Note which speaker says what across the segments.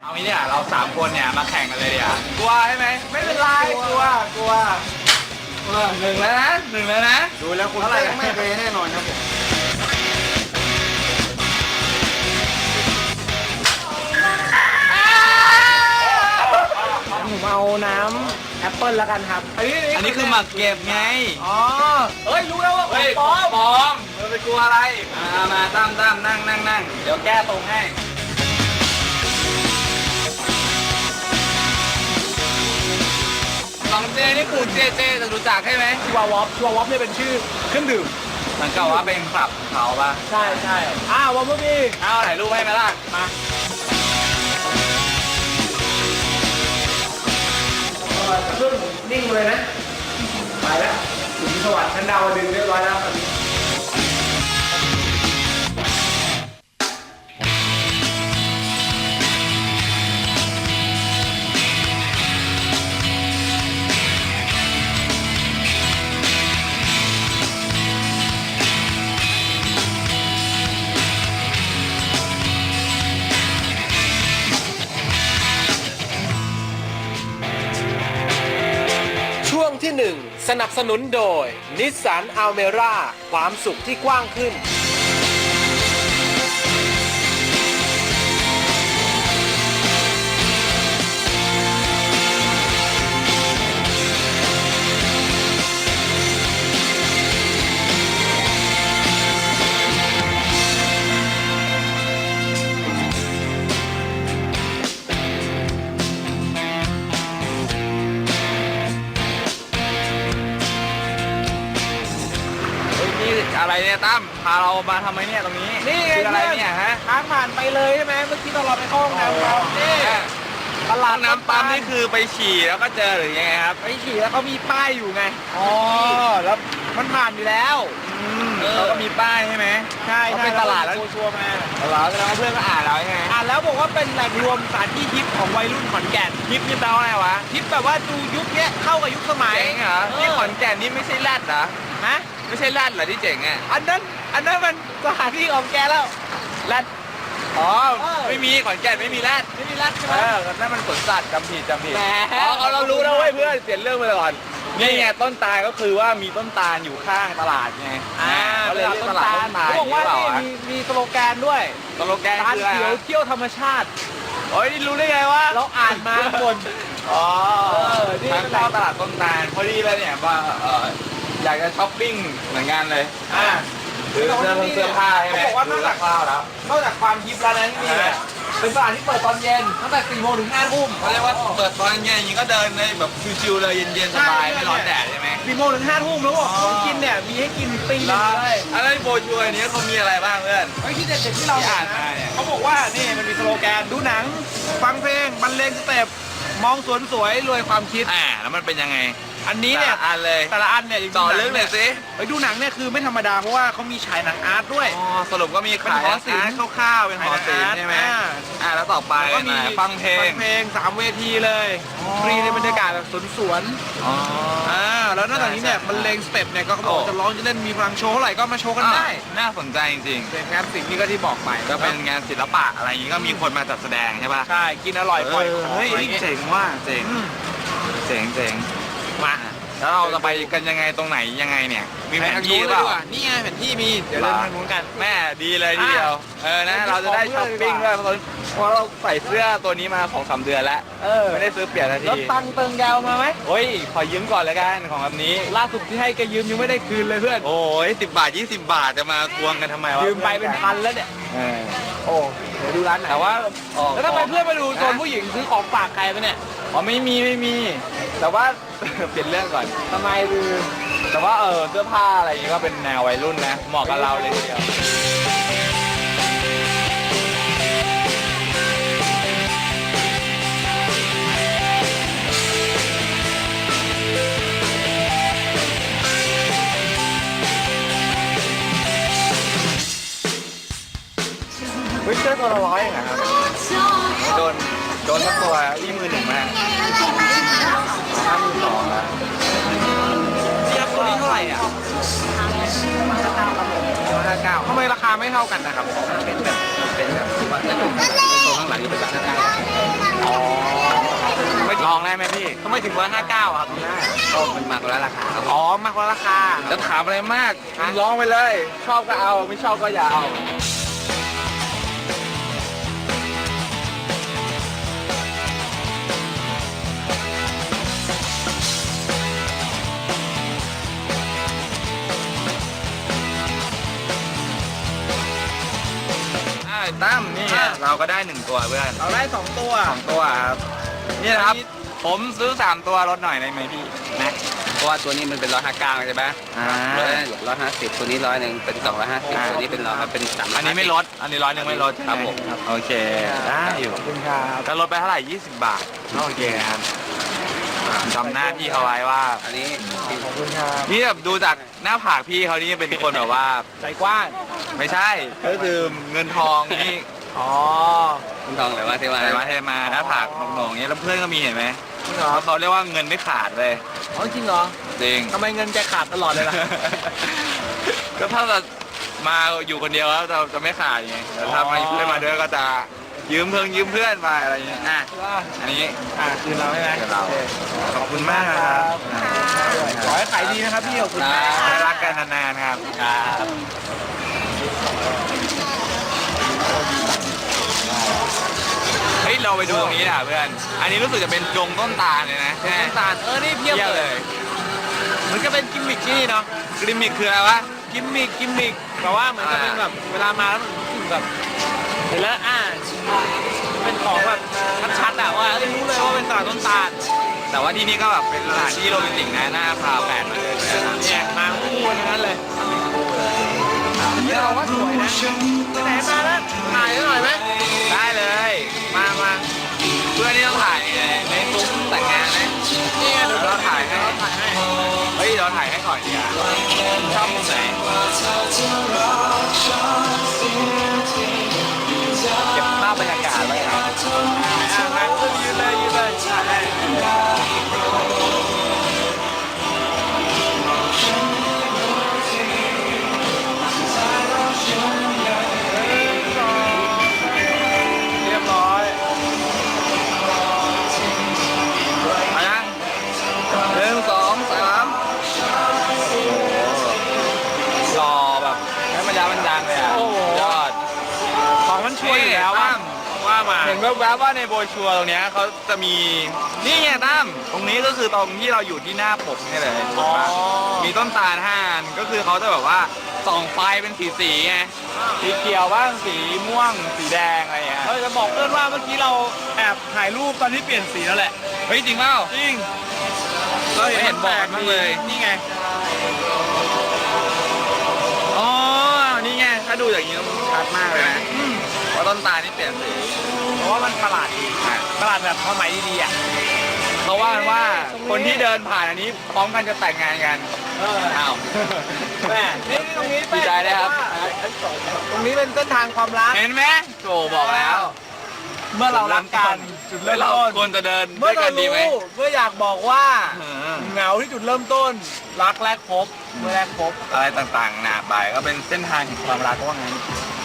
Speaker 1: เอางี้เนี่ยเรา3 คนเนี่ยมาแข่งกันเลยเดี๋ยวกลัวใช่ไหมไม่เป็นไรกลัวหนึ่งแล้วนะ
Speaker 2: ดูแล้วคุณเต้ไม่แพ้แน่นอนครับผมเอาน้ำแอปเปิลแล้วกันครับ
Speaker 1: อันนี้คือหมักเก็บไง
Speaker 2: อ๋อเฮ้ยรู้แล้วว่าของปลอม
Speaker 1: เราไปกลัวอะไรมาตั้มนั่งเดี๋ยวแก้ตรงให้ของเจนี่คือเจจะรู้จักใช่ไหม
Speaker 2: ชัววอปเนี่ยเป็นชื่อเครื่องดื่ม
Speaker 1: เหมือนกับว่าเป็นคลับเขาป่ะ
Speaker 2: ใช่วอปพี่
Speaker 1: ถ่ายรูปให้ไหมล่ะ
Speaker 2: มาเครื่องนิ่งเลยนะไปแล้วถึงสวรรค์ชั้นดาวดึงเรียบร้อยแล้วตอนนี้ช่วงที่ 1 สนับสนุนโดย Nissan Almera ความสุขที่กว้างขึ้น
Speaker 1: อะไรเนี่ยตั้มพาเรามาทำไมเนี่ยตรงนี้
Speaker 2: นี่ไง
Speaker 1: อะไรเนี่ยฮะ
Speaker 2: ทางผ่านไปเลยใช่ไหมเมื่อกี้ตอนเราไปเข้าห้องน้ำเรานี่
Speaker 1: ตลาดน้ำปั๊มนี่คือไปฉี่แล้วก็เจอหรือยังไงครับ
Speaker 2: ไปฉี่แล้วเขามีป้ายอยู่ไงแล้วมันผ่านอยู่แล้ว
Speaker 1: เขาก็มีป้ายใช่ไหม
Speaker 2: ใช่
Speaker 1: เขาเป็นตลาดแล้ว
Speaker 2: ชัวร์มา
Speaker 1: แล้วเพื่อนก็อ่านแล้วยังไง
Speaker 2: อ่านแล้วบอกว่าเป็นแหล่งรวมสถานที่ฮิปของวัยรุ่นขอนแก่น
Speaker 1: ฮิปนี่แปลว่าอะไรวะ
Speaker 2: ฮิปแบบว่าดูยุคนี้เข้ากับยุคสมัย
Speaker 1: เจ๋งเหรอที่ขอนแก่นนี่ไม่ใช่แรดเหรอ
Speaker 2: ฮะ
Speaker 1: ไม่ใช่แรดเหรอที่เจ๋งอ่ะ
Speaker 2: อันนั้นมันสถานที่ของแกแล้ว
Speaker 1: แรดไม่มีขอนแก่นไม่มีแรด
Speaker 2: ใช่ไหม
Speaker 1: นั่นมันสวนสัตว์จำผิดเรารู้แล้วเว้ยเพื่อนเปลี่ยนเรื่องไปก่อนนี่ไงต้นตาลก็คือว่ามีต้นตาลอยู่ข้างตลาดไง
Speaker 2: ก็เลยเรียกตลาดต้นตาลเขาบอกว่ามีสโลแกนด้วย
Speaker 1: สโลแกนคืออะไร
Speaker 2: เขียวเที่ยวธรรมชาติ
Speaker 1: นี่รู้ได้ไงวะ
Speaker 2: เราอ่านมาบน
Speaker 1: นี่ทางตลาดต้นตาลพอดีเลยเนี่ยว่าอยากจะช้อปปิ้งเหมือนกันเลยหรือเสื้อผ้าใช่ไหม
Speaker 2: เขาบอกว่านอกจากความฮิปแล้วนั้นนี่เป็นตลาดที่เปิดตอนเย็นตั้งแต่ 4 โมงถึง 5 ทุ่ม
Speaker 1: เขาเรียกว่าเปิดตอนเย็นอย่างนี้ก็เดินในแบบชิวๆเลยเย็นๆสบายไม่ร้อนแดดใช่ไหม
Speaker 2: 4 โมงถึง 5 ทุ่มแล้วบอกของกินเนี่ยมีให้กินปีเลย
Speaker 1: อะไรโบชัวร์นี้เขามีอะไรบ้างเพื่อน
Speaker 2: ที่เด็ดๆที่เรา
Speaker 1: อ่านมาเนี่ย
Speaker 2: เขาบอกว่านี่มันมีสโลแกนดูหนังฟังเพลงบรรเลงสเต็ปมองสวนสวยรวยความคิด
Speaker 1: แล้วมันเป็นยังไง
Speaker 2: อันนี้เนี่ยแต่ละอันเนี่ย
Speaker 1: ต่อเรื่องเลยสิ
Speaker 2: ไปดูหนังเนี่ยคือไม่ธรรมดาเพราะว่าเขามีฉายหนังอาร์ตด้วย
Speaker 1: สรุปก็มีขาย
Speaker 2: อาร์ตคร่าวๆเป็น
Speaker 1: หอศิลป์ใช่ไหมแล้วต่อไป
Speaker 2: ก็มี
Speaker 1: ฟังเพลง
Speaker 2: 3 เวทีเลยฟรีในบรรยากาศแบบสวนแล้วนอกจากนี้เนี่ยมันเลงสเต็ปเนี่ยก็เขาบอกจะร้องจะเล่นมีพลังโชว์เท่าไหร่ก็มาโชว์กันได้
Speaker 1: น่าสนใจจริงๆ
Speaker 2: เป็นงานศิลป์นี่ก็ที่บอกไป
Speaker 1: ก็เป็นงานศิลปะอะไรอย่างนี้ก็มีคนมาจัดแสดงใช่ป่ะ
Speaker 2: ใช่กินอร่อยปล่อยของ
Speaker 1: เจ๋งว่าเจ๋งมาแล้วเราจะไปกันยังไงตรงไหนยังไงเนี่ยมีแผนที่หรือเปล่า
Speaker 2: นี่ไงแผนที่มีเดี๋ยวเดินทางนู้นกัน
Speaker 1: แม่ดีเลยทีเดียวนะเราจะได้ช้อปปิ้งด้วยเพราะเราใส่เสื้อตัวนี้มา2-3 เดือนแล้วไม่ได้ซื้อเปลี่ยนนาที
Speaker 2: แล้วตังเติงยาวมาไหม
Speaker 1: ขอยืมก่อนเลยกันของแบบนี้
Speaker 2: ล่าสุดที่ให้แกยืมยังไม่ได้คืนเลยเพื่อน
Speaker 1: 10 บาท20 บาทจะมาทวงกันทำไมวะ
Speaker 2: ยืมไปเป็นพันแล้วเนี่ยเดี๋ยวดูร้านไหน
Speaker 1: แต่ว่า
Speaker 2: แล้วทำไมเพื่อนมาดูโซนผู้หญิงซื้อของฝากใครไปเนี่ย
Speaker 1: ไม่มีแต่ว่าเปลี่ยนเรื่องก่อน
Speaker 2: ทำไมคือ
Speaker 1: แต่ว่าเสื้อผ้าอะไรอย่างนี้ก็เป็นแนววัยรุ่นนะเหมาะกับเราเลยทีเดียวเสื้อตัวละ100เองครับโดนทั้งตัวนี่1,000มาก52,000แล้ว
Speaker 2: เทียบตัวนี้เท่าไหร่อ่ะ
Speaker 1: 59ท
Speaker 2: ำไมราคาไม่เท่ากันนะครับ
Speaker 1: เป็นแบบตัวข้างหลังนี่เป็นแบบ59
Speaker 2: พี่ทำไมถึง159ครับ
Speaker 3: ก็มันมากกว่าราคาครับ
Speaker 2: อ๋อมากกว่าราคา
Speaker 1: จะถามอะไรมากร้องไปเลย ชอบก็เอาไม่ชอบก็อย่าเอาตั้มนี่เราก็ได้1ตัวเพื่อน
Speaker 2: เราได้2ตัว
Speaker 1: 2ตัวครับนี่นะครับ ผมซื้อ3ตัวลดหน่อยได้ไหมพี่นะ
Speaker 3: เพราะว่าตัวนี้มันเป็น159ใช่ไหม
Speaker 1: อ่า
Speaker 3: 150ตัวนี้100เป็น250ตัวนี้เป็น350
Speaker 1: อันนี้ไม่ลดอันนี้100ไม่ลดใช่ไห
Speaker 3: ครับผม
Speaker 1: โอเคได้อยู่
Speaker 2: ขอบคุณครับ
Speaker 1: จะลดไปเท่าไหร่20 บาทโอเคครับจำหน้าพี่เขาไว้ว่า
Speaker 3: อันนี้
Speaker 2: ขอบคุณครับ
Speaker 1: นี่แบบดูจากหน้าผากพี่เขานี่เป็นคนแบบว่า
Speaker 2: ใจกว้าง
Speaker 1: ไม่ใช่ก็คือเงินทองนี่
Speaker 2: อ๋อ
Speaker 3: คุณทองเลยว่าที่ว่า
Speaker 1: อะไรมาเทมาหน้าผากโหน่งๆอย่างเงี้ยแล้วเพื่อนก็มีเห็นไหม
Speaker 2: จริงเหรอ
Speaker 1: เขาเรียกว่าเงินไม่ขาดเลย
Speaker 2: อ๋อจริงเหรอ
Speaker 1: จริง
Speaker 2: ทำไมเงินแกขาดตลอดเลยล่ะ
Speaker 1: ก็ถ้าเรามาอยู่คนเดียวแล้วจะไม่ขาดไงแต่ถ้ามีเพื่อนมาด้วยก็จะยืมเพื่อนมาอะไรอย่างเงี้ยอ่ะอันนี้
Speaker 2: คืนเราใช่ไหม
Speaker 1: คืนเรา
Speaker 2: โอค
Speaker 1: ขอบคุณมากครับ
Speaker 2: ขอให้ขายดีนะครับพี่ขอบคุณมาก
Speaker 1: ได้รักกันนานๆครับเฮ้ยเราไปดูตรงนี้นะเพื่อนอันนี้รู้สึกจะเป็นดงต้นตาลเลยนะ
Speaker 2: น้ำตาลนี่เพียบ
Speaker 1: เยี่ยม
Speaker 2: เล
Speaker 1: เลย ย
Speaker 2: เหมือนก็เป็นกิมมิคที่นี่เนาะ
Speaker 1: กริมมิกคืออะไรวะ
Speaker 2: กิมมิคแต่ว่าเหมือนจะเป็นแบบเวลามาแล้วมันรู้สึกแบบเห็นแล้วเป็นของแบบชัดๆอะว่ารู้เลยว่าเป็นตลาดต้นตาล
Speaker 1: แต่ว่าที่นี่ก็แบบเป็นสถานที่โรแมนติกนะหน้าพาแฟนมาเลยนะครับ
Speaker 2: เนี่ยมาคู่กันทั้งนั้นเลยนี่เราว่าสวยนะไปไหนมาแล้วถ่ายหน่อยไหม
Speaker 1: ได้เลย มาเพื่อนนี่ต้องถ่ายในซุ้มแต่งงานนะ
Speaker 2: นี่ไงเดี๋ยว
Speaker 1: เราถ่ายให้
Speaker 2: ถ่ายให้
Speaker 1: เฮ้ยเราถ่ายให้ก่อนดีกว่าชอบมุมไหนเก็บภาพบรรยากาศไว้ครับ
Speaker 2: งั้นก็ยืนเลยถ่ายให้เรียบร้อย
Speaker 1: มายัง1 2 3หล่อแบบให้มันยาวมันดังเลยอ่ะ
Speaker 2: โอ้โห
Speaker 1: ยอด
Speaker 2: ของมันช่วยอยู่แล้วว่ามา
Speaker 1: เห็นแวบๆว่าในโบรชัวร์ตรงเนี้ยเขาจะมีนี่ไงตั้มตรงนี้ก็คือตรงที่เราอยู่ที่หน้าปกนี่เลย
Speaker 2: อ๋อ
Speaker 1: มีต้นตาล5 อันก็คือเขาจะแบบว่าส่องไฟเป็นสีไงสีเขียวบ้างสีม่วงสีแดงอะไรอย่างเงี้ย
Speaker 2: จะบอกเพื่อนว่าเมื่อกี้เราแอบถ่ายรูปตอนที่เปลี่ยนสีแล้วแหละ
Speaker 1: เฮ้ยจริงเปล่า
Speaker 2: จริง
Speaker 1: เราเห็นบอกมากเลย
Speaker 2: นี่ไง
Speaker 1: อ๋อนี่ไงถ้าดูอย่างนี้มันชัดมากเลยนะว่าต้นตาลนี่เปลี่ยนสี
Speaker 2: เพราะว่ามันประหลาดดีประหลาดแบบความหมายดีๆอ่ะ
Speaker 1: เขาว่ากันว่าคนที่เดินผ่านอันนี้พร้อมกันจะแต่งงานกันอ้าว
Speaker 2: แม่นี่ตรงนี้
Speaker 1: ดีใจด้วยครับ
Speaker 2: ตรงนี้เป็นเส้นทางความรัก
Speaker 1: เห็นไหมโจบอกแล้ว
Speaker 2: เมื่อเรารักกันจุดเริ่ม
Speaker 1: เรา
Speaker 2: ต้น
Speaker 1: ควรจะเดิน
Speaker 2: เมื่
Speaker 1: ด้
Speaker 2: อ
Speaker 1: วยกั
Speaker 2: เรา
Speaker 1: นดีไหม
Speaker 2: รู้เมื่ออยากบอกว่า
Speaker 1: เออ
Speaker 2: เหงาที่จุดเริ่มต้น รักแรกพบเมื่อแรกพบ
Speaker 1: อะไรต่างๆหนาไปก็เป็นเส้นทางแห่งความรักว่างั้น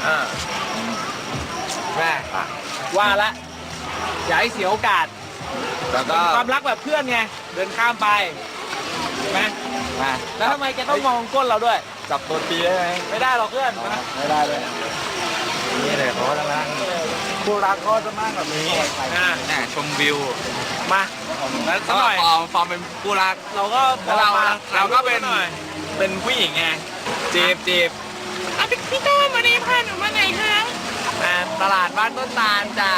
Speaker 2: แม่ว่าละอย่าให้เสียโอกาส
Speaker 1: แล้วก็
Speaker 2: ความรักแบบเพื่อนไงเดินข้ามไปเห็นไหม
Speaker 1: มา
Speaker 2: แล้วทำไมแกต้องมองก้นเราด้วย
Speaker 1: จับตัวปีได้ไหม
Speaker 2: ไม่ได้หรอกเพื่อน
Speaker 1: ไม่ได้เลยนี่เลยเขาจะนั่ง
Speaker 2: คู่รักก็จะมากแบบนี้
Speaker 1: ชมวิว
Speaker 2: มา
Speaker 1: แล้ว
Speaker 2: สักหน่อย
Speaker 1: ฟอร์มเป็นคู่รัก
Speaker 2: เราก็
Speaker 1: แล้วเราก็เป็น
Speaker 2: หน่อย
Speaker 1: เป็นผู้หญิงไงจีบ
Speaker 2: พี่ต้นวันนี้พาหนูมาไหนคะตลาดบ้านต้นตาลจ้า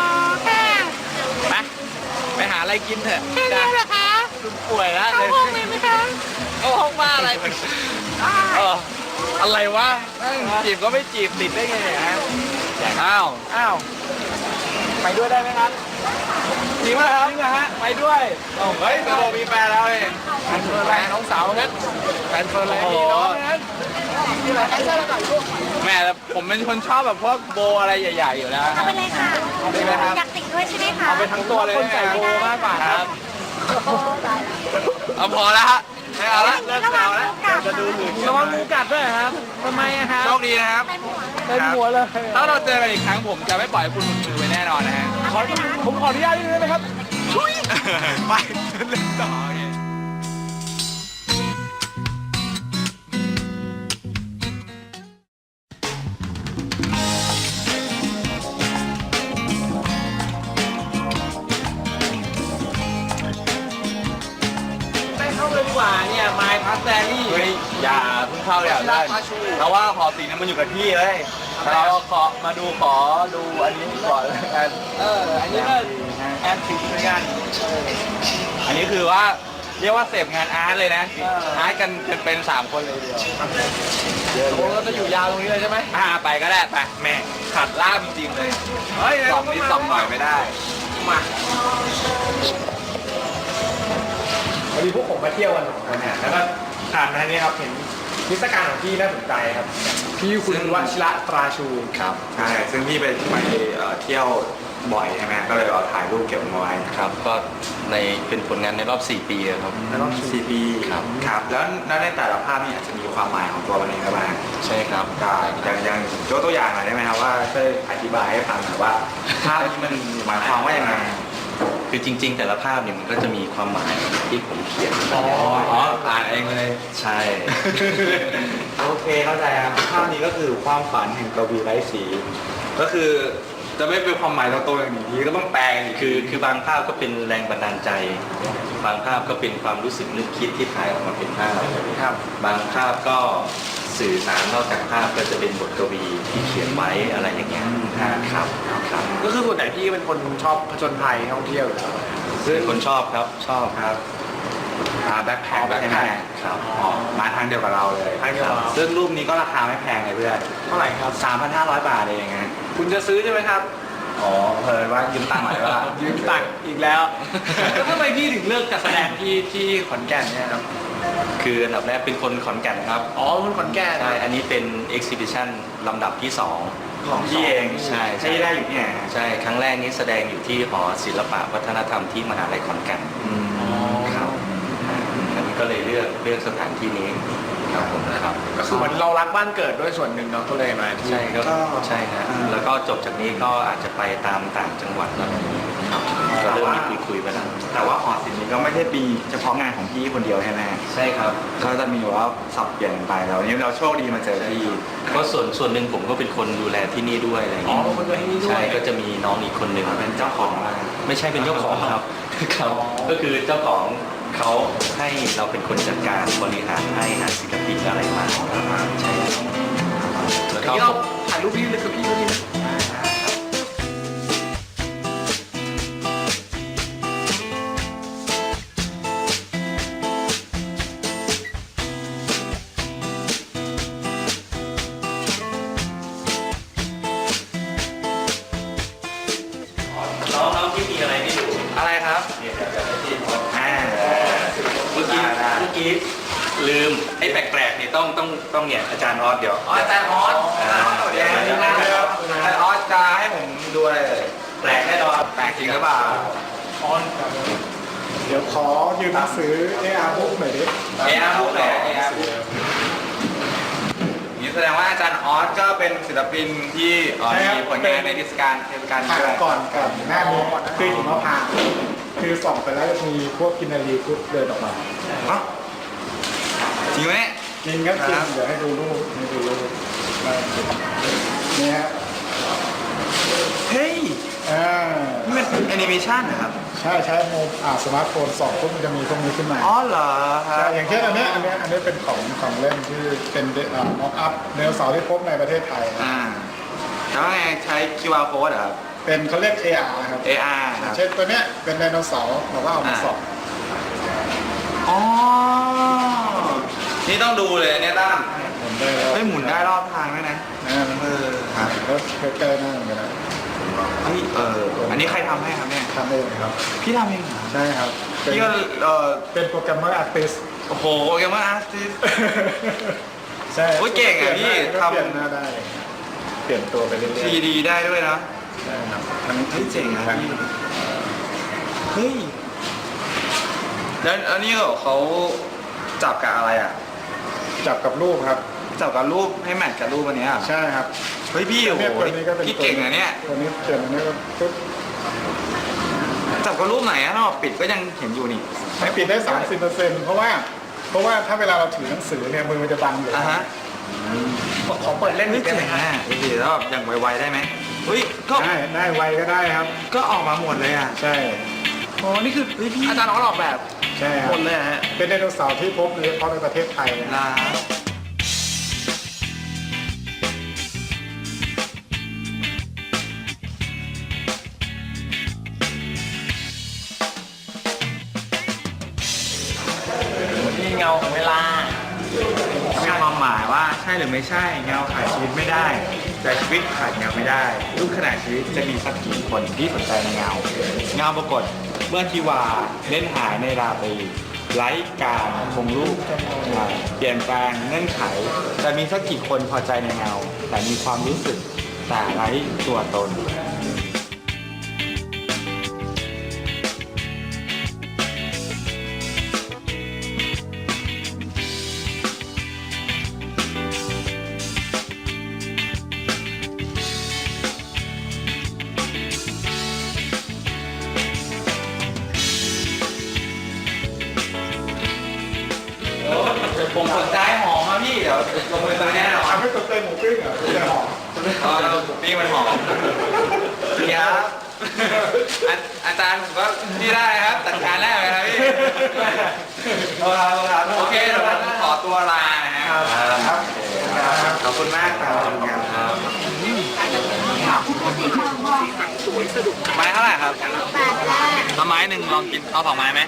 Speaker 2: ไปหาอะไรกินเถอะ
Speaker 4: แค่นี้เหรอคะ
Speaker 2: คุณป่วยแล้ว
Speaker 4: เข้าห้องเลยไหมคะ
Speaker 2: เข้าห้องบ้าอะไรเอออะไรวะ
Speaker 1: จีบก็ไม่จีบติดได้ไงเนี่ยฮะอ้าว
Speaker 2: อ้าวไปด้วยได้ไหมครับจริงไหมครับจริงเหรอฮะไปด้วย
Speaker 1: เฮ้ยโดมีแฟนแล้วเอง
Speaker 2: แฟนเฟิร์นอะไรน้องสาวงั้นแฟนเฟิร์นอะไรพี่น้องงั้นนี่อะไรแอนเซอร์ก่อนลูก
Speaker 1: แม่แล้วผมเป็นคนชอบแบบพวกโบอะไรใหญ่ๆอยู่แล้ว
Speaker 4: เอาไปเลยค่ะ
Speaker 1: ดีไหมครับ
Speaker 4: อยากติดด้วยใช่ไหมคะ
Speaker 2: เอาไปทั้งตัวเลยคนใส่โบมากกว่าครับ
Speaker 4: โอ้ตายแล้ว
Speaker 1: เอาพอแล้วฮะไม่เอาละ
Speaker 4: เลิกเอาแล้ว
Speaker 2: จะดูหรือระวังงูกัดด้วยครับทำไมอะครับ
Speaker 1: โชคดีนะครับ
Speaker 4: เป็นหัว
Speaker 2: เต็มหัวเลย
Speaker 1: ถ้าเราเจอกันอีกครั้งผมจะไม่ปล่อยให้คุณหลุดมือไปแน่นอนนะฮะ
Speaker 2: ผมขออนุญาตนิดนึงนะครับ
Speaker 1: ชุยไปเล่นต่อโอเค
Speaker 2: ไม่เข้าเลยดีกว่าเนี่ยไม้พัสแตรี่
Speaker 1: เฮ้ยอย่าเพิ่งเข้าอย่าเล่นเพราะว่าหอศิลป์เนี่ยมันอยู่กับที่เลยเราขอมาดูขอดูอันนี้ก่อนแล้วกัน
Speaker 2: อันนี้ก็แอนติกเหมือนกัน
Speaker 1: อันนี้คือว่าเรียกว่าเสพงานอาร์ตเลยนะอาร์ตกันเป็น3 คนเลยเดียว
Speaker 2: โอ้เราจะอยู่ยาวตรงนี้เลยใช่ไหม
Speaker 1: ไปก็ได้ไปแม่ขัดล่ามจริงๆเลย
Speaker 2: เฮ้ย
Speaker 1: สองนิดสองหน่อยไม่ได้
Speaker 2: มา
Speaker 5: พอดีพวกผมมาเที่ยวกัน2 คนเนี่ยแล้วก็ผ่านมาเนี่ยครับเห็นนิทรรศการของพี่น่าสนใจครับพี่คุณวชิระตราชู
Speaker 1: ครับใช่ซึ่งพี่ไปเที่ยวบ่อยใช่ไหมก็เลยเอาถ่ายรูปเก็บเอาไว้
Speaker 6: ครับก็ในเป็นผลงานในรอบ 4 ปีอะครับ
Speaker 1: ในรอบ4 ปีครับแล้วในแต่ละภาพนี่อาจจะมีความหมายของตัวมันเองก็บ้าง
Speaker 6: ใช่ครับ
Speaker 1: อย่างยกตัวอย่างหน่อยได้ไหมครับว่าช่วยอธิบายให้ฟังหน่อยว่าภาพนี้มันหมายความว่ายังไง
Speaker 6: คือจริง ๆ แต่ละภาพเนี่ยมันก็จะมีความหมายที่ผมเขียน
Speaker 1: อ่านเองเลย
Speaker 6: ใช่
Speaker 1: โอเคเข้าใจครับภาพนี้ก็คือความฝันแห่งกวีไร้สี ก็คือจะไม่เป็นความหมายตรงๆอย่างนี้ก็ต้องแปลงอีก
Speaker 6: คือบางภาพก็เป็นแรงบันดาลใจ บางภาพก็เป็นความรู้สึกนึกคิดที่ถ่ายออกมาเป็นภาพ
Speaker 1: ครับ
Speaker 6: บางภาพก็สื่อสารนอกจากภาพก็จะเป็นบทกวีที่เขียนไว้อะไรอย่างเงี้ยครับครับ
Speaker 5: ก็คือส่วนใหญ่พี่เป็นคนชอบผจญภัยท่องเที่ยวอยู่แล้ว
Speaker 6: เป็นคนชอบครับชอบ
Speaker 1: ครับแบ็คแพ็คใช่ไหม
Speaker 6: ครับ
Speaker 1: อ๋อมาทางเดียวกับเราเลย
Speaker 5: ทางเดียวกับเรา
Speaker 1: ซึ่งรูปนี้ก็ราคาไม่แพงเลยเพื่อน
Speaker 5: เท่าไหร่ครับ
Speaker 1: 3,500 บาทเองไง
Speaker 5: คุณจะซื้อใช่ไหมครับ
Speaker 1: อ๋อเพลินว่ายืมตังค์หน่อยว่า
Speaker 5: ยืมตังค์อีกแล้ว แล้วทำไมพี่ถึงเลือกจัดแสดงที่ขอนแก่นเนี่ยครับ
Speaker 6: คืออันดับแรกเป็นคนขอนแก่นครับ
Speaker 5: อ๋อคนขอนแก่น
Speaker 6: ใช่ อันนี้เป็น exhibition ลำดับที่ 2
Speaker 1: ของพี่เอง
Speaker 6: ใช่
Speaker 1: ที่ได้อยู่ที่ไหน
Speaker 6: ใช่ ครั้งแรกนี้แสดงอยู่ที่หอศิลปะวัฒนธรรมที่มหาลัยขอนแก่นครับอันนี้ก็เลยเลือกสถานที่นี้ครับผมครับ
Speaker 5: ก็คือเหมือนเรารักบ้านเกิดด้วยส่วนหนึ่งเนาะก็เลยมาที่
Speaker 6: ใช่ก็ใช่ครับแล้วก็จบจากนี้ก็อาจจะไปตามต่างจังหวัดอะไรอย่างนี้ครับก็เริ่มมีคุยไปแล้ว
Speaker 1: แต่ว่าหอศิลป์นี้ก็ไม่ใช่ปีเฉพาะงานของพี่คนเดียวใช่ไหม
Speaker 6: ใช่ครับ
Speaker 1: ก็จะมีว่าสับเปลี่ยนไปแล้วนี้เราโชคดีมาเจอพี่
Speaker 6: ก็ส่วนหนึ่งผมก็เป็นคนดูแลที่นี่ด้วยอะไรอย่าง
Speaker 5: อ๋อ
Speaker 6: เงี้ย
Speaker 5: เป็นคนตัวให้นี่ด้ว
Speaker 6: ใช่
Speaker 5: ย
Speaker 6: ก็จะมีน้องอีกคนหนึ่ง
Speaker 1: เป็นเจ้าของอะไร
Speaker 6: ไม่ใช่เป็นเจ้าของครับครับ ก็คือเจ้าของเขาให้เราเป็นคนจัดการบริหารให้หาศิลปินอะไรมาใช่ครับแล้ว
Speaker 5: เดี๋ยว
Speaker 6: ก็
Speaker 5: เราถ่ายรูปพี่เลยกับพี่ดูดิ
Speaker 6: น้องที่มีอะไรให้ดู
Speaker 1: อะไรครับ
Speaker 6: เนี่ยเดี๋ยวให้พี่ขอ
Speaker 1: เมื่อกี้
Speaker 6: ลืมไอ้แปลกๆเนี่ยต้องเนี่ยอาจารย์ออสเดี๋ยว
Speaker 1: อาจารย์ออส
Speaker 6: เดี๋ยว
Speaker 1: อาจารย์ออสจะให้ผมดูอะไรเลย
Speaker 6: แปลกแน่นอน
Speaker 1: แปลกจริงหรือเปล่า
Speaker 5: ออนครับเดี๋ยวขอยืมหนังสือ AR Book หน่อยดิ
Speaker 1: AR Book เหรอ AR Book นี่แสดงว่าอาจารย์ออสก็เป็นศิลปินที่มีผลงานในเทศกาล
Speaker 5: ถ่าย
Speaker 1: ด้วย
Speaker 5: ก่อนกับหน้านี้คือหิมะพานต์คือส่องไปแล้วจะมีพวกกินนารีพุทธเดินออกมา
Speaker 1: อ๋อจริงไหม
Speaker 5: จริงครับจริงเดี๋ยวให้ดูรูปนี่ฮะ
Speaker 1: เฮ้ย นี่มันแอนิเมชันนะครับ
Speaker 5: ใช้โมสมาร์ทโฟนส่องปุ๊บมันจะมีพวกนี้ขึ้นมา
Speaker 1: อ๋อเหรอครั
Speaker 5: ใช่
Speaker 1: บ
Speaker 5: อย่างเช่นอันนี้เป็นของเล่นที่เป็นม็อกอัพเดลเสาร์ที่พบในประเทศไทย
Speaker 1: แล้วไงใช้ QR code เหรอครับ
Speaker 5: เป็นเขาเรียก AR ครับ
Speaker 1: AR ครับ
Speaker 5: เช่นตัวเนี้ยเป็นไดโนเสาร์เราก็เอามาส่อง
Speaker 1: อ๋อ นี่ต้องดูเลยเนี่ยตั้ม
Speaker 5: หมุนได้แล้ว
Speaker 1: เฮ้ยหมุนได้รอบทางด้วยนะ
Speaker 5: มันครับแล้วใกล้ๆหน้าเหมือนกันนะ
Speaker 1: เฮ้ยอันนี้ใครทำให้ครับเนี่ย
Speaker 5: ทำเองครับ
Speaker 1: พี่ทำเองเหรอ
Speaker 5: ใช่ครับ
Speaker 1: พี่ก็
Speaker 5: เป็นโปรแกรมเมอร์อาร์ติส
Speaker 1: โอ้โหเกมเมอร์อาร์ติส
Speaker 5: ใช่
Speaker 1: โอ้ยเก่งอ่ะพี่ทำ
Speaker 5: เปลี่ยนหน้าได้ เปลี่ยนตัวไปเรื่อย
Speaker 1: 3D ได้ด้วยนะ
Speaker 5: ๆใช่ครับทั้ง
Speaker 1: เฮ้ยเจ๋งนะ
Speaker 5: ทั้ง
Speaker 1: พี่เฮ้ยแล้วอันนี้เขาจับกับอะไรอ่ะ
Speaker 5: จับกับรูปครับ
Speaker 1: จับกับรูปให้แมทกับรูปอันเนี้ย
Speaker 5: ใช่ครับ
Speaker 1: เฮ้ยพี่โอ้โห
Speaker 5: ตัวนี้ก็เป็น
Speaker 1: พี่เก่งนะเนี่ย
Speaker 5: ตัวนี้เปลี่ยนอันนี้ก็ปุ๊บ
Speaker 1: แต่แต่ก็รูปไหนอะถ้าบอกปิดก็ยังเห็นอยู่นี่
Speaker 5: ให้ปิดได้ 30%เพราะว่าถ้าเวลาเราถือหนังสือเนี่ยมือมันจะบังอยู่
Speaker 1: อ่ะฮะ
Speaker 5: ขอเปิดเล่นนิด
Speaker 1: เจ๋
Speaker 5: นึ
Speaker 1: ง
Speaker 5: ง
Speaker 1: อ่ะดูสิแล้วแบบอย่างไวๆได้ไหมเฮ้ยก็
Speaker 5: ได้ไวก็ได้ครับ
Speaker 1: ก็ออกมาหมดเลยอ่ะ
Speaker 5: ใช่
Speaker 2: อ๋อนี่คืออาจารย์ออกแบบ
Speaker 5: ใช่ครับ
Speaker 2: หมดเลยฮะ
Speaker 5: เป็นไดโนเสาร์ที่พบโดยเฉพาะในประเทศไทยนะ
Speaker 1: ลา
Speaker 2: นี่เงาของเวลา
Speaker 1: มีความหมายว่าใช่หรือไม่ใช่เงาขาดชีวิตไม่ได้ แต่ชีวิตขาดเงาไม่ได้ทุกขณะชีวิตจะมีสักกี่คนที่สนใจในเงาเงาปรากฏเมื่อทิวาเล่นหายในราตรีไร้การคงรูปเปลี่ยนแปลงเงื่อนไขจะมีสักกี่คนพอใจในเงา แต่มีความรู้สึกแต่ไร้ตัวตน ผมสนใจหอมอะพี่เดี๋ยวลงไปซื้อแน่นอน
Speaker 5: ทำให้ตัวเตยหมูปิ้งเหรอตัวเตยหอม
Speaker 1: นี่มันหอมครับอาจารย์ผมก็นี่ได้ครับจัดการได้ไหมครับพี่โอเคเดี๋ยวผมขอตัวลานะครับขอบคุณมากครับไม้เท่าไหร่ครับเอาไม้หนึ่งลองกินเอา2 ไม้ไหม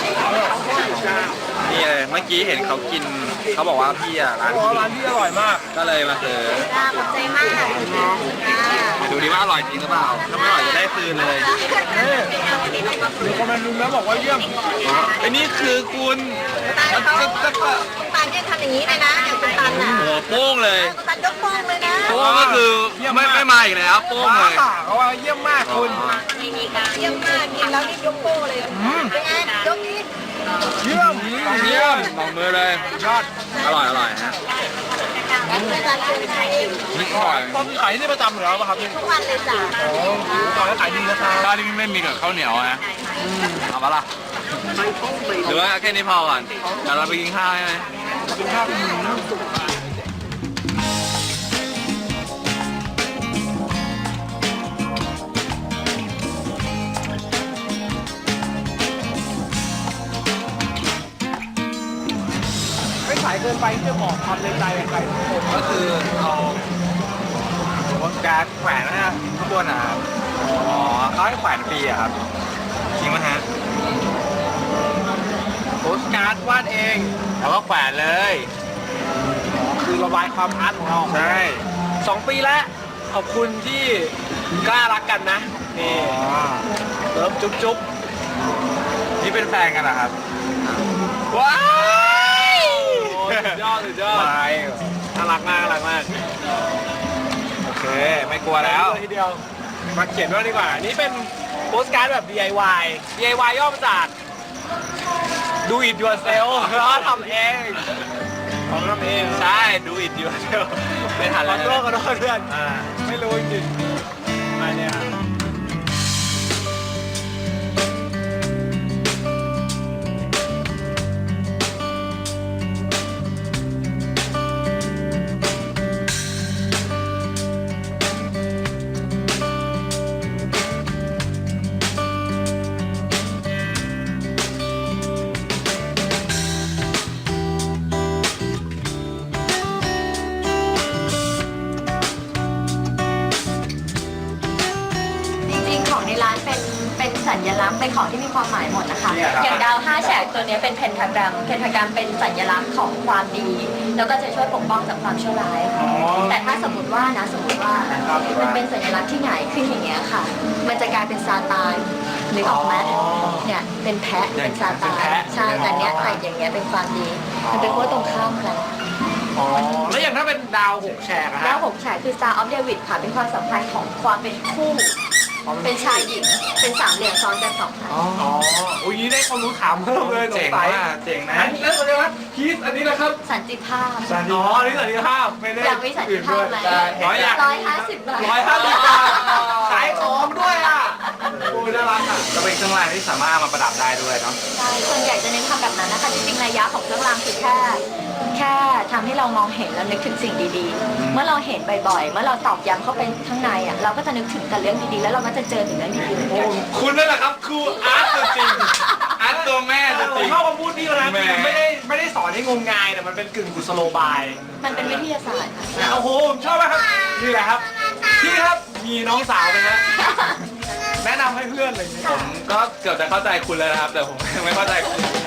Speaker 1: นี่เลยเมื่อกี้เห็นเขากินเขาบอกว่าพี่อ่ะร้าน
Speaker 2: ร้านที่อร่อยมาก
Speaker 1: ก็เลยมาซื้อ
Speaker 4: ขอบใจมาก
Speaker 1: ดูดิว่าอร่อยจริงหรือเปล่าถ้าไม่อร่อยจะได้คืนเลย
Speaker 2: มีคอมเมนต์นึงแล้วบอกว่าเยี่ยม
Speaker 1: ไอ้นี่คือคุณ
Speaker 4: คุณตาลเนี่ยทำอย่างนี้เลยนะอย่างคุณตาลนะ
Speaker 1: โอ้โหโป้งเลย
Speaker 4: คุณตาลยกโป้งเลยนะ
Speaker 1: โป้งก็คือไม่มาอีกแล้วโป้งเลย
Speaker 2: เขาว่าเยี่ยมมากคุณ
Speaker 4: เยี่ยมมากกินแล้วรีบยกโป้งเลยเป็นไงยกนี้
Speaker 2: เยี่ยม
Speaker 1: เยี่ยมลองมือเลยยอดอร่อยฮะ
Speaker 4: คุณตาลเป็นไง
Speaker 1: นี่อร่อย
Speaker 2: ตอนขายที่ประจำอยู่แล้วป่ะครับพี่
Speaker 4: ทุกวันเลยจ้ะ
Speaker 2: ตอนนี้ขายดีนะครับ
Speaker 1: ข้าวที่ไม่มีกับข้าวเหนียวนะเอาปะล่ะหรือว่าแค่นี้พอก่อนเดี๋ยวเราไปกินข้าวใช่ไหม
Speaker 2: กินข้าวเป็นหมู ไม่ขายเกินไปที่จะบอกความในใจกับใครทุกคน
Speaker 1: ก็คือเอาวงการแขวนนะข้างบนนะครับอ๋อเขาให้แขวนฟรีอะครับจริงไหมฮะ
Speaker 2: โพสการ์ดวาดเอง
Speaker 1: แล้วก็แขวนเลย
Speaker 2: คือระบายความอาร์ตของเรา
Speaker 1: ใช่
Speaker 2: 2 ปีแล้ว ขอบคุณที่กล้ารักกันนะ นี่เริ่มจุ๊บ
Speaker 1: นี่เป็นแฟนกันเหรอครับ
Speaker 2: ว้ายสุดยอดน่ารักมาก
Speaker 1: โอเคไม่กลัวแล้ว
Speaker 2: ทีเดียวมาเขียนด้วยดีกว่า นี่เป็นโปสการ์ดแบบ DIY ย่อมาจาก Do it yourself แล้วทำเองทำเองใช่ Do it yourself เป็นหันแล้วขอโทษเพื่อนไม่รู้จริงๆมาเนี่ย
Speaker 4: จริงๆของในร้านเป็นสัญลักษณ์เป็นของที่มีความหมายหมดนะคะ
Speaker 1: เนี่ยครับ
Speaker 4: อย่างดาว5 แฉกตัวนี้เป็นเพนทากรัมเป็นสัญลักษณ์ของความดี แล้วก็จะช่วยปกป้องจากความชั่วร้ายแต่ถ้าสมมติว่ามันเป็นสัญลักษณ์ที่หงายขึ้นอย่างเงี้ยค่ะ มันจะกลายเป็นซาตานนึกออกไหมเนี่ยเป็นแพะเป็นซาตานใช่แต่เนี้ยใส่อย่างเงี้ยเป็นความดีมันเป็นขั้วตรงข้ามกัน
Speaker 2: อ๋อ แล้วอย่างถ้าเป็นดาว6 แฉกอะฮะ
Speaker 4: ดาว6 แฉกคือ Star of David ค่ะเป็นความสัมพันธ์ของความเป็นคู่ เป็นชายหญิงเป็น3 เหลี่ยมซ้อนกัน2 ครั้ง
Speaker 2: อ๋ออุ้ยได้ความรู้ถามเพิ่มเลยส
Speaker 1: เจ๋
Speaker 2: ง
Speaker 1: ง
Speaker 2: สัย
Speaker 1: มากเจ๋งนะ
Speaker 2: อันนี้แล้วอะไรวะพีซอันนี้นะครับ
Speaker 4: สันติภาพ
Speaker 2: อ๋อนี่สันติภาพไม่ได้
Speaker 4: อยากมีสันติภาพไหม
Speaker 2: 150 บาท
Speaker 4: 150 บาท
Speaker 2: 150 บาท ขายของด้วยอ่ะ
Speaker 5: โอ้ยน่ารักอ่ะ
Speaker 1: ก็เป็นเครื่องรางที่สามารถเอามาประดับได้ด้วยเนาะ
Speaker 4: ใช่ส่วนใหญ่จะเน้นทำแบบนั้นนะคะจริงๆระยะของเครื่องรางคือแค่ทำให้เรามองเห็นแล้วนึกถึงสิ่งดีๆ เมื่อเราเห็นบ่อยๆ เมื่อเราตอกย้ำเข้าไปข้างในอ่ะเราก็จะนึกถึงแต่เรื่องดีๆ แล้วเราก็จะเจอถึงเรื่องดีๆเหมือนกัน
Speaker 1: คุณนั่นแหละครับครูอาร์ตตัวจริงอาร์ตตัวแม่ตัว
Speaker 5: ผ
Speaker 1: จริ
Speaker 5: ม
Speaker 1: ง
Speaker 5: ชอบคำพูดนี้นะ
Speaker 1: แหม
Speaker 5: คือไม่ได้สอนให้งมงายแต่มันเป็นกึ่งกุศโลบาย
Speaker 4: มันเป็นวิทยาศาสตร์ค่ะ
Speaker 5: โอ้โหผมชอบมากครับนี่แหละครับพี่ครับมีน้องสาวไหมฮะแนะนำให้เพื่อนอะไรอย่างเงี้ย
Speaker 1: ผมก็เกือบจะเข้าใจคุณแล้วนะครับ แต่ผมยังไม่เข้าใจคุณนะ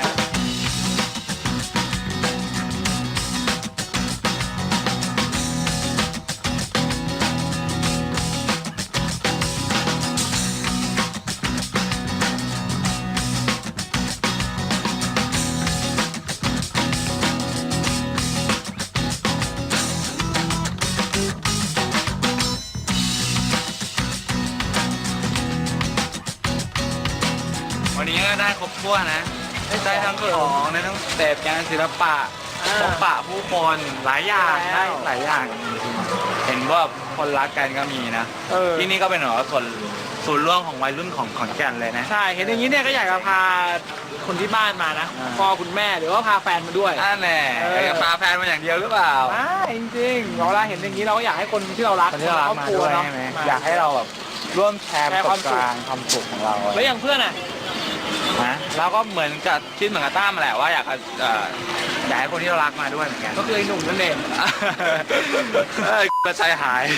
Speaker 1: วันนี้ก็ได้ครบถ้วนนะ ได้ทั้งของได้ทั้งเสพงานศิลปะพบปะผู้คนหลายอย่างได้หลายอย่างจริงๆเห็นว่าคนรักกันก็มีนะ ที่นี่ก็เป็นเหมือนว่าส่วนร่วมของวัยรุ่นของขอนแก่นเลยนะ
Speaker 5: ใช่เห็นอย่างนี้เนี่ยก็อยากจะพาคนที่บ้านมานะ
Speaker 1: อ่า
Speaker 5: พ่อคุณแม่หรือว่าพาแฟนมาด้วย
Speaker 1: อ่าแน่จะพาแฟนมาอย่างเดียวหรือเปล่า
Speaker 5: จริงๆเวลาเห็นอย่างนี้เราก็อยากให้คนที่เรารัก
Speaker 1: คนที่เรารักมาด้วย
Speaker 5: เนาะ
Speaker 1: ใช่ไหมอยากให้เราแบบร่วมแชร์ประสบการณ์ความสุขของเรา
Speaker 5: แล้วอย่างเพื่อนอ่ะ
Speaker 1: นะเราก็เหมือนกับคิดเหมือนกับตั้มแหละว่าอยากให้คนที่เรารักมาด้วยเหมือนกัน
Speaker 5: ก็คือไอ้หนุ่มนั่นเอง
Speaker 1: กระชายหาย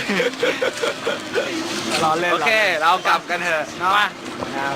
Speaker 5: ล้อเล่น
Speaker 1: โอเค เรากลับกันเถอะ
Speaker 5: เนาะ
Speaker 1: มา
Speaker 5: ครับ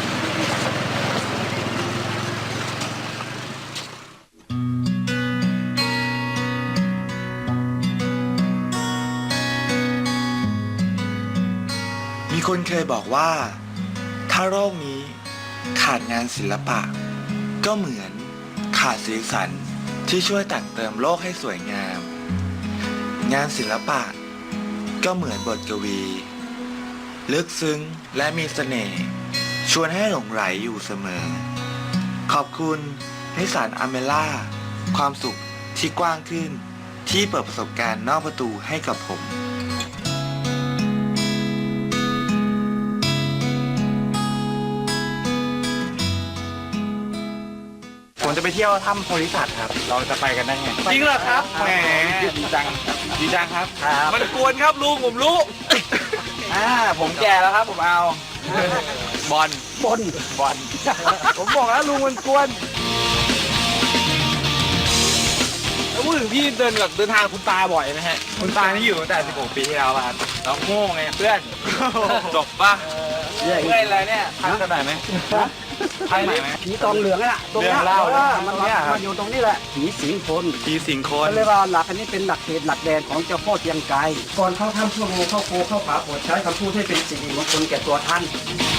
Speaker 7: มีคนเคยบอกว่า ถ้าโลกนี้ขาดงานศิลปะ ก็เหมือนขาดสีสันที่ช่วยแต่งเติมโลกให้สวยงาม งานศิลปะ ก็เหมือนบทกวี ลึกซึ้งและมีเสน่ห์ชวนให้หลงไหลอยู่เสมอ ขอบคุณนิสสันอเมล่าความสุขที่กว้างขึ้น ที่เปิดประสบการณ์นอกประตูให้กับผม
Speaker 1: ผมจะไปเที่ยวถ้ำโพธิสัตว์ครับ เราจะไปกันได้ไง จริงเหรอครับแหมดีจังครับ
Speaker 2: มันกวนครับลุงผมรู้
Speaker 1: ผมแก่แล้วครับ ผมเอาบอล
Speaker 5: ผมบอกแล้วลุงมันกวนแล้วพูดถึงพี่เดินทางคุณตาบ่อยไหมฮะ
Speaker 1: คุณตานี่อยู่ตั้งแต่ 16 ปีที่แล้วครับเราโง่ไงเพื่อน จบปะเมื่อยอะไรเนี่ยพักกันหน่อยไหมพักหน่อยไหม
Speaker 8: ผีตองเหลืองน่ะตรง
Speaker 1: เรื่
Speaker 8: เนี้
Speaker 1: อย งเล่า
Speaker 8: มัน
Speaker 1: เนี่ยครับ
Speaker 8: อยู่ตรงนี้แหละผีสิงคน
Speaker 1: ผีสิงคน
Speaker 8: เขาเรียกว่าหลักอันนี้เป็นหลักเขตหลักแดนของเจ้าพ่อเตียงไกรก่อนเข้าถ้ำชั่วโมงเข้าโคเข้าผาโปรดใช้คำพูดให้เป็นสิ่งมงคลแก่ตัวท่าน